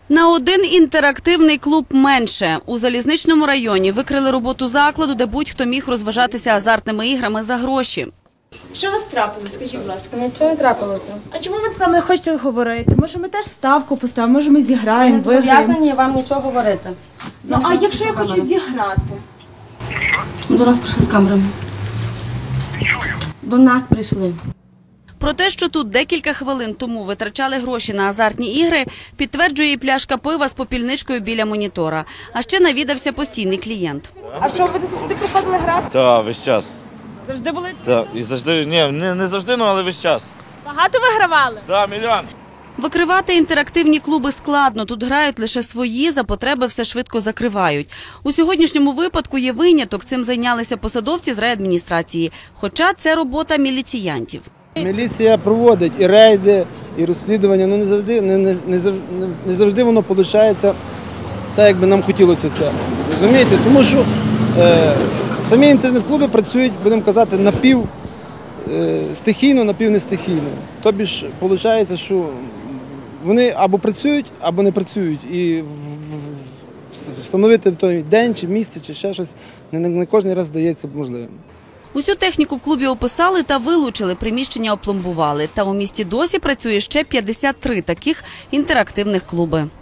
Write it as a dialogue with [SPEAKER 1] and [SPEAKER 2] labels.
[SPEAKER 1] На один інтерактивний клуб менше. У Залізничному районі викрили роботу закладу, де будь-хто міг розважатися азартними іграми за гроші.
[SPEAKER 2] Що у вас трапилось, скажіть, будь ласка?
[SPEAKER 3] Нічого не трапилося.
[SPEAKER 2] А чому ви з нами не хочете говорити? Може, ми теж ставку поставимо, може, ми зіграємо,
[SPEAKER 3] Ми
[SPEAKER 2] виграємо?
[SPEAKER 3] зобов'язані вам нічого говорити.
[SPEAKER 2] Ну, а якщо я хочу зіграти?
[SPEAKER 3] До нас прийшли з камерами. До нас прийшли.
[SPEAKER 1] Про те, що тут декілька хвилин тому витрачали гроші на азартні ігри, підтверджує і пляшка пива з попільничкою біля монітора. А ще навідався постійний клієнт.
[SPEAKER 2] А що, ви сюди приходили грати?
[SPEAKER 4] Так, весь час.
[SPEAKER 2] Завжди були?
[SPEAKER 4] Так, і завжди, не завжди, але весь час.
[SPEAKER 2] Багато вигравали?
[SPEAKER 4] Так, мільйон.
[SPEAKER 1] Викривати інтерактивні клуби складно. Тут грають лише свої, за потреби все швидко закривають. У сьогоднішньому випадку є виняток. Цим зайнялися посадовці з райадміністрації. Хоча це робота міліціянтів.
[SPEAKER 5] Міліція проводить і рейди, і розслідування, але не завжди воно виходить так, як би нам хотілося це. Розумієте? Тому що самі інтернет-клуби працюють, будемо казати, напівстихійно, напівнестихійно. Тобі ж виходить, що вони або працюють, або не працюють. І встановити той день, чи місце, чи ще щось не кожен раз здається можливим.
[SPEAKER 1] Усю техніку в клубі описали та вилучили, приміщення опломбували. Та у місті досі працює ще 53 таких інтерактивних клуби.